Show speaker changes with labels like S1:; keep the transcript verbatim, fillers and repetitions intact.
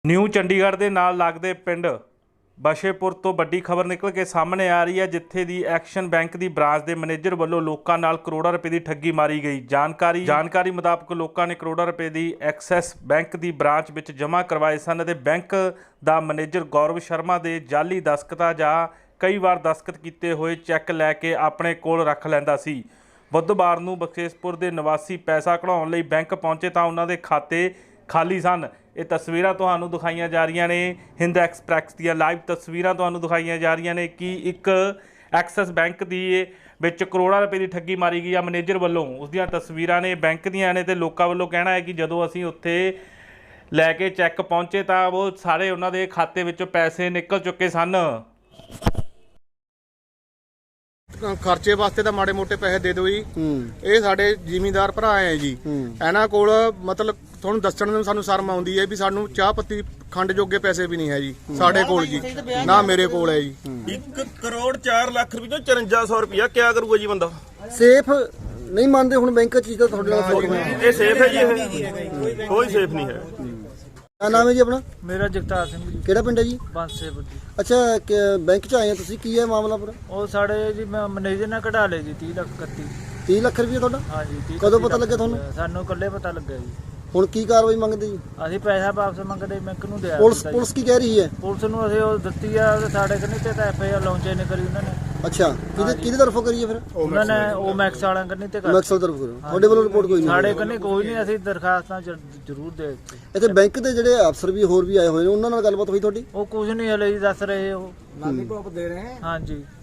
S1: New Chandigarh ਦੇ ਨਾਲ ਲੱਗਦੇ ਪਿੰਡ ਬਸ਼ੇਪੁਰ ਤੋਂ ਵੱਡੀ ਖਬਰ ਨਿਕਲ ਕੇ ਸਾਹਮਣੇ ਆ ਰਹੀ ਹੈ, ਜਿੱਥੇ ਦੀ ਐਕਸ਼ਨ ਬੈਂਕ ਦੀ ਬ੍ਰਾਂਚ ਦੇ ਮੈਨੇਜਰ ਵੱਲੋਂ ਲੋਕਾਂ ਨਾਲ ਕਰੋੜਾਂ ਰੁਪਏ ਦੀ ਠੱਗੀ ਮਾਰੀ ਗਈ। ਜਾਣਕਾਰੀ ਜਾਣਕਾਰੀ ਮੁਤਾਬਕ ਲੋਕਾਂ ਨੇ ਕਰੋੜਾਂ ਰੁਪਏ ਦੀ ਐਕਸਿਸ ਬੈਂਕ ਦੀ ਬ੍ਰਾਂਚ ਵਿੱਚ ਜਮ੍ਹਾਂ ਕਰਵਾਏ ਸਨ ਅਤੇ ਬੈਂਕ ਦਾ ਮੈਨੇਜਰ ਗੌਰਵ ਸ਼ਰਮਾ ਦੇ ਜਾਲੀ ਦਸਤਖਤਾਂ ਜਾਂ ਕਈ ਵਾਰ ਦਸਤਖਤ ਕੀਤੇ ਹੋਏ ਚੈੱਕ ਲੈ ਕੇ ਆਪਣੇ ਕੋਲ ਰੱਖ ਲੈਂਦਾ ਸੀ। ਬੁੱਧਵਾਰ ਨੂੰ ਬਸ਼ੇਪੁਰ ਦੇ ਨਿਵਾਸੀ ਪੈਸਾ ਕਢਾਉਣ ਲਈ ਬੈਂਕ ਪਹੁੰਚੇ ਤਾਂ ਉਹਨਾਂ ਦੇ ਖਾਤੇ ਖਾਲੀ ਸਨ। ਇਹ ਤਸਵੀਰਾਂ ਤੁਹਾਨੂੰ ਦਿਖਾਈਆਂ ਜਾ ਰਹੀਆਂ ਨੇ, ਹਿੰਦ ਐਕਸਪ੍ਰੈਸ ਦੀਆਂ ਲਾਈਵ ਤਸਵੀਰਾਂ ਤੁਹਾਨੂੰ ਦਿਖਾਈਆਂ ਜਾ ਰਹੀਆਂ ਨੇ ਕਿ ਇੱਕ ਐਕਸਿਸ ਬੈਂਕ ਦੀ ਵਿੱਚ ਕਰੋੜਾਂ ਰੁਪਏ ਦੀ ਠੱਗੀ ਮਾਰੀ ਗਈ ਆ ਮੈਨੇਜਰ ਵੱਲੋਂ। ਉਸ ਦੀਆਂ ਤਸਵੀਰਾਂ ਨੇ ਬੈਂਕ ਦੀਆਂ ਨੇ ਤੇ ਲੋਕਾਂ ਵੱਲੋਂ ਕਹਿਣਾ ਹੈ ਕਿ ਜਦੋਂ ਅਸੀਂ ਉੱਥੇ ਲੈ ਕੇ ਚੈੱਕ ਪਹੁੰਚੇ ਤਾਂ ਉਹ ਸਾਰੇ ਉਹਨਾਂ ਦੇ ਖਾਤੇ ਵਿੱਚੋਂ ਪੈਸੇ ਨਿਕਲ ਚੁੱਕੇ ਸਨ।
S2: ਖਰਚੇ ਵਾਸਤੇ ਤਾਂ ਮਾੜੇ ਮੋਟੇ ਪੈਸੇ ਦੇ ਦਿਓ ਜੀ। ਇਹ ਸਾਡੇ ਜ਼ਿਮੀਂਦਾਰ ਭਰਾ ਆ ਜੀ, ਇਹਨਾਂ ਕੋਲ ਮਤਲਬ ਤੁਹਾਨੂੰ ਦੱਸਣ ਨੂੰ ਸਾਨੂੰ ਸ਼ਰਮ ਆਉਂਦੀ ਹੈ ਵੀ ਸਾਨੂੰ ਚਾਹ ਪੱਤੀ ਖੰਡ ਜੋਗੇ ਪੈਸੇ ਵੀ ਨਹੀਂ ਹੈ ਜੀ ਸਾਡੇ ਕੋਲ ਜੀ, ਨਾ ਮੇਰੇ ਕੋਲ ਹੈ ਜੀ।
S3: ਇੱਕ ਕਰੋੜ ਚਾਰ ਲੱਖ ਰੁਪਏ ਤੋਂ ਚੁਰੰਜਾ ਸੌ ਰੁਪਇਆ ਕਿਆ ਕਰੂਗਾ ਜੀ ਬੰਦਾ?
S4: ਸੇਫ ਨਹੀਂ ਮੰਨਦੇ ਹੁਣ ਬੈਂਕ ਚ ਤਾਂ ਤੁਹਾਡੇ ਨਾਲ ਫਰੋਡ ਹੋਇਆ।
S3: ਇਹ ਸੇਫ ਹੈ ਜੀ? ਇਹ ਕੋਈ ਸੇਫ ਨਹੀਂ ਹੈ।
S4: क्या नाम है जी अपना?
S5: मेरा जगतार सिंह जी।
S4: केड़ा पिंड है जी?
S5: बांसेपुर जी।
S4: अच्छा बैंक च आए हैं तुसी, की है मामला पूरा?
S5: ਉਹ ਸਾਡੇ ਜੀ ਮੈਂ ਮੈਨੇਜਰ ਨੇ ਕਢਾ ਲਏ ਜੀ तीस ਲੱਖ ਇਕੱਤੀ।
S4: तीस ਲੱਖ ਰੁਪਏ ਤੁਹਾਡਾ?
S5: ਹਾਂ ਜੀ तीस
S4: ਕਦੋਂ ਪਤਾ ਲੱਗਿਆ ਤੁਹਾਨੂੰ?
S5: ਸਾਨੂੰ ਕੱਲੇ ਪਤਾ ਲੱਗਿਆ ਜੀ।
S4: ਹੁਣ ਕੀ ਕਾਰਵਾਈ ਮੰਗਦੇ ਜੀ?
S5: ਅਸੀਂ ਪੈਸਾ ਵਾਪਸ ਮੰਗਦੇ ਬੈਂਕ ਨੂੰ ਦਿਆ
S4: ਪੁਲਿਸ ਪੁਲਿਸ ਕੀ ਕਹਿ ਰਹੀ ਹੈ?
S5: ਪੁਲਿਸ ਨੂੰ ਅਸੀਂ ਉਹ ਦਿੱਤੀ ਆ ਸਾਡੇ ਕੰਨੀ ਤੇ ਤਾਂ ਐਫ ਆਈ ਆਰ ਲਾਂਚ ਨਹੀਂ ਕਰੀ ਉਹਨਾਂ ਨੇ।
S4: ਅੱਛਾ, ਕਿਹਦੇ ਕਿਹਦੇ ਤਰਫੋਂ ਕਰੀਏ ਫਿਰ?
S5: ਉਹਨਾਂ ਨੇ ਉਹ ਮੈਕਸ ਵਾਲਿਆਂ ਕੰਨੀ ਤੇ ਕਰ
S4: ਮੈਕਸਲ ਤਰਫ ਕਰੋ। ਤੁਹਾਡੇ ਵੱਲੋਂ ਰਿਪੋਰਟ ਕੋਈ ਨਹੀਂ?
S5: ਸਾਡੇ ਕੰਨੀ ਕੋਈ ਨਹੀਂ, ਅਸੀਂ ਦਰਖਾਸਤਾਂ ਜ- ਜ਼ਰੂਰ ਦੇ ਦਿੱਤੀ।
S4: ਇੱਥੇ ਬੈਂਕ ਦੇ ਜਿਹੜੇ ਅਫਸਰ ਵੀ ਹੋਰ ਵੀ ਆਏ ਹੋਏ ਨੇ, ਉਹਨਾਂ ਨਾਲ ਗੱਲਬਾਤ ਹੋਈ ਤੁਹਾਡੀ?
S5: ਉਹ ਕੁਝ ਨਹੀਂ ਹਲੇ ਜੀ ਦੱਸ ਰਹੇ ਉਹ।
S4: ਲਾਲੀ ਭੋਪ ਦੇ ਰਹੇ
S5: ਹਾਂ ਜੀ।